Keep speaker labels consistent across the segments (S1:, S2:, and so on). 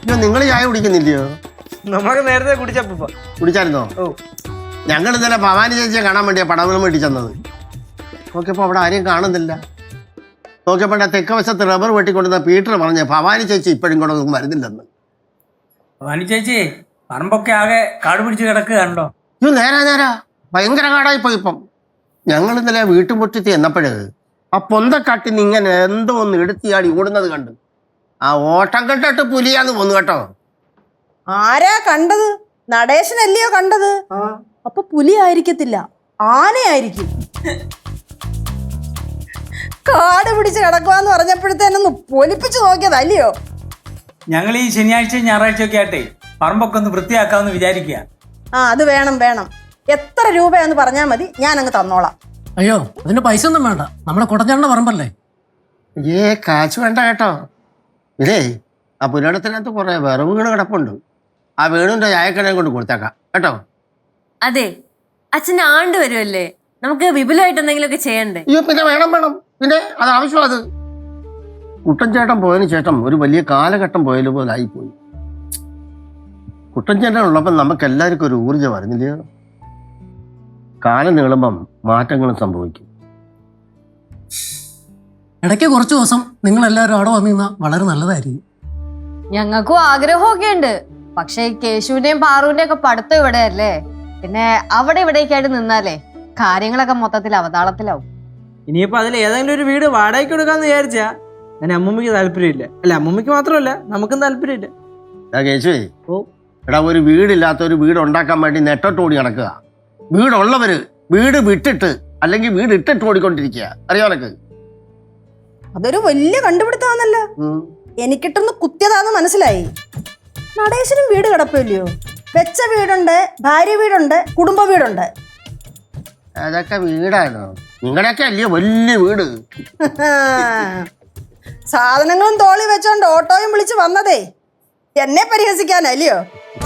S1: നിങ്ങൾ ചായ കുടിക്കുന്നില്ലയോ?
S2: നമുക്ക് നേരത്തെ
S1: കുടിച്ചായിരുന്നോ? ഞങ്ങൾ ഇന്നലെ ഭവാനി ചേച്ചിയെ കാണാൻ വേണ്ടിയാ പടവലം വേണ്ടി ചെന്നത്. നോക്കിയപ്പോ അവിടെ ആരെയും കാണുന്നില്ല. നോക്കിയപ്പോ തെക്ക് വശത്ത് റബ്ബർ വെട്ടിക്കൊണ്ടിരുന്ന പീറ്റർ പറഞ്ഞ് ഭവാനി ചേച്ചി ഇപ്പോഴും കൂടെ ഒന്നും വരുന്നില്ലെന്ന്.
S2: ഭവാനി ചേച്ചി പറമ്പൊക്കെ ആകെ കാട് പിടിച്ച് കിടക്കുകയാണല്ലോ.
S1: നേരാ ഭയങ്കര കാടായിപ്പോയി ഇപ്പം. ഞങ്ങൾ ഇന്നലെ വീട്ടുമുറ്റത്തി എന്നപ്പോഴ് ആ പൊന്തക്കാട്ടിന് ഇങ്ങനെ എന്തോ ഒന്ന് എടുത്തിയാടി ഓടുന്നത് കണ്ട് ആ ഓട്ടം കണ്ടിട്ട് പുലിയാന്ന് പോന്നു കേട്ടോ.
S3: ആരാ കണ്ടത്? നടേശനല്ലയോ കണ്ടത്? അപ്പൊ പുലി ആയിരിക്കത്തില്ല, ആനയായിരിക്കും. കാട് പിടിച്ച് കിടക്കുവാന്ന് പറഞ്ഞപ്പോഴത്തേനൊന്ന് പൊലിപ്പിച്ചു നോക്കിയതല്ലയോ?
S2: ഞങ്ങൾ ഈ ശനിയാഴ്ച ഞായറാഴ്ച ഒക്കെ ആയിട്ടേ പറമ്പൊക്കെ ഒന്ന് വൃത്തിയാക്കാമെന്ന് വിചാരിക്കുക.
S3: അത് വേണം. എത്ര രൂപയാന്ന് പറഞ്ഞാൽ മതി, ഞാൻ അങ്ങ് തന്നോളാം.
S4: അയ്യോ, അതിന്റെ പൈസ ഒന്നും വേണ്ട, നമ്മുടെ കുടഞ്ഞാണ്ട പറമ്പല്ലേ.
S1: കാശ് വേണ്ട കേട്ടോ. ഇതേ ആ പുരാടത്തിനകത്ത് കുറെ വിറവുകൾ കിടപ്പുണ്ട്. ആ വീടിന്റെ ചായക്കടയും കൊണ്ട് കൊടുത്തേക്കാം കേട്ടോ.
S5: അതെ, അച്ഛൻ ആണ്ട് വരുമല്ലേ, നമുക്ക് വിപുലമായിട്ട് എന്തെങ്കിലുമൊക്കെ ചെയ്യണ്ടേ?
S1: അയ്യോ പിന്നെ വേണം പിന്നെ അത് ആവശ്യം. അത് കുട്ടൻ ചേട്ടൻ പോയതിനു ശേഷം ഒരു വലിയ കാലഘട്ടം പോയാലും പോലെ ആയിപ്പോയി. കുട്ടൻ ചേട്ടൻ ഉള്ളപ്പം നമുക്ക് എല്ലാവർക്കും ഒരു ഊർജ്ജം വരുന്നില്ലയോ? കാലം നീളുമ്പം മാറ്റങ്ങളും സംഭവിക്കും.
S4: ഇടയ്ക്ക് കുറച്ച് ദിവസം നിങ്ങൾ എല്ലാവരും അവിടെ വന്നു നിന്നാൽ വളരെ നല്ലതായിരിക്കും.
S5: ഞങ്ങൾക്കും ആഗ്രഹമൊക്കെ ഉണ്ട്. പക്ഷെ കേശുവിന്റെയും പാറുവിന്റെയും ഒക്കെ പഠിത്തം ഇവിടെ അല്ലേ, പിന്നെ അവിടെ ഇവിടേക്കായിട്ട് നിന്നാലേ കാര്യങ്ങളൊക്കെ മൊത്തത്തിൽ അവതാളത്തിലാവും.
S2: ഇനിയിപ്പോ അതിൽ ഏതെങ്കിലും ഒരു വീട് വാടകയ്ക്ക് കൊടുക്കാന്ന് വിചാരിച്ചാ അതിന് അമ്മൂമ്മക്ക് താല്പര്യമില്ല. അല്ല, അമ്മൂമ്മക്ക് മാത്രമല്ല നമുക്കും താല്പര്യമില്ല.
S1: കേശുവേ, എടാ ഒരു വീടില്ലാത്ത ഒരു വീട് ഉണ്ടാക്കാൻ വേണ്ടി നെട്ടോട്ടോടി നടക്കുക. വീടുള്ളവര് വീട് വിട്ടിട്ട് അല്ലെങ്കിൽ വീട് ഇട്ടിട്ട് ഓടിക്കൊണ്ടിരിക്കുക. അറിയോ നിനക്ക്?
S3: അതൊരു വലിയ കണ്ടുപിടുത്താന്നല്ലോ. എനിക്കിട്ടൊന്ന് കുത്തിയതാന്ന് മനസ്സിലായി. നടേശനും വീട് കിടപ്പില്ലയോ? വെച്ച വീടുണ്ട്, ഭാര്യ വീടുണ്ട്, കുടുംബ വീടുണ്ട്.
S1: അതൊക്കെ വീടാണോ? നിങ്ങളുടെയൊക്കെ അല്ലയോ വലിയ വീട്.
S3: സാധനങ്ങളും തോളി വെച്ചോണ്ട് ഓട്ടോയും വിളിച്ച് വന്നതേ എന്നെ പരിഹസിക്കാനല്ലയോ?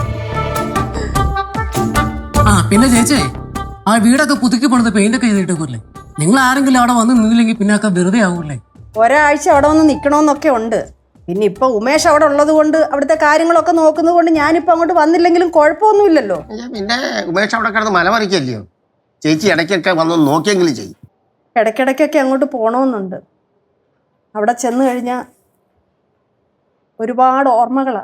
S4: പിന്നെ ചേച്ചേ, ആ വീടൊക്കെ പുതുക്കി പണിത് പെയിന്റൊക്കെ ചെയ്തിട്ടേക്കൂല്ലേ? നിങ്ങൾ ആരെങ്കിലും അവിടെ വന്ന് നിന്നില്ലെങ്കിൽ പിന്നെ ഒക്കെ വെറുതെ ആവൂല്ലേ?
S3: ഒരാഴ്ച അവിടെ വന്ന് നിൽക്കണമെന്നൊക്കെ ഉണ്ട്. പിന്നെ ഇപ്പൊ ഉമേഷ് അവിടെ ഉള്ളത് കൊണ്ട് അവിടുത്തെ കാര്യങ്ങളൊക്കെ നോക്കുന്നത് കൊണ്ട് ഞാനിപ്പോ അങ്ങോട്ട് വന്നില്ലെങ്കിലും കുഴപ്പമൊന്നുമില്ലല്ലോ.
S1: പിന്നെ ഉമേഷ് അവിടെ കിടന്ന് മലമറിക്കല്ലയോ? ചേച്ചി ഇടയ്ക്കൊക്കെ വന്ന് നോക്കിയെങ്കിലും ചെയ്യും.
S3: ഇടയ്ക്കിടയ്ക്കൊക്കെ അങ്ങോട്ട് പോകണമെന്നുണ്ട്. അവിടെ ചെന്ന് കഴിഞ്ഞാൽ ഒരുപാട് ഓർമ്മകളാ.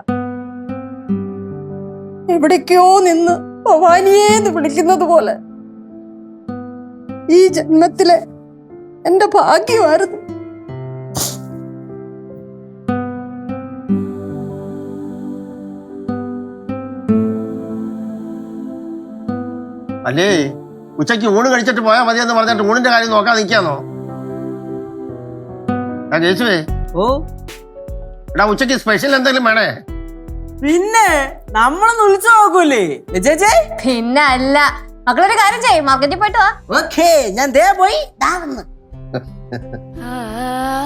S3: എവിടേക്കോ നിന്ന് ഭവാനിയേന്ന് വിളിക്കുന്നത് പോലെ ഈ ജന്മത്തിലെ എന്റെ ഭാഗ്യമായിരുന്നു.
S1: അല്ലേ ഉച്ചയ്ക്ക് ഊണ് കഴിച്ചിട്ട് പോയാൽ മതിയെന്ന് പറഞ്ഞിട്ട് ഊണിന്റെ കാര്യം നോക്കാൻ നിൽക്കാന്നോ? കേശുവേ, എടാ ഉച്ചയ്ക്ക് സ്പെഷ്യൽ എന്തെങ്കിലും വേണേ?
S2: പിന്നെ നമ്മളൊന്ന് വിളിച്ചു നോക്കൂലേ ചേച്ചേ?
S5: പിന്നെ അല്ല, മക്കളൊരു കാര്യം ചെയ്യും, മാർക്കറ്റിൽ പോയിട്ട് വാ.
S2: ഓക്കേ, ഞാൻ ദേ പോയി.
S5: ആ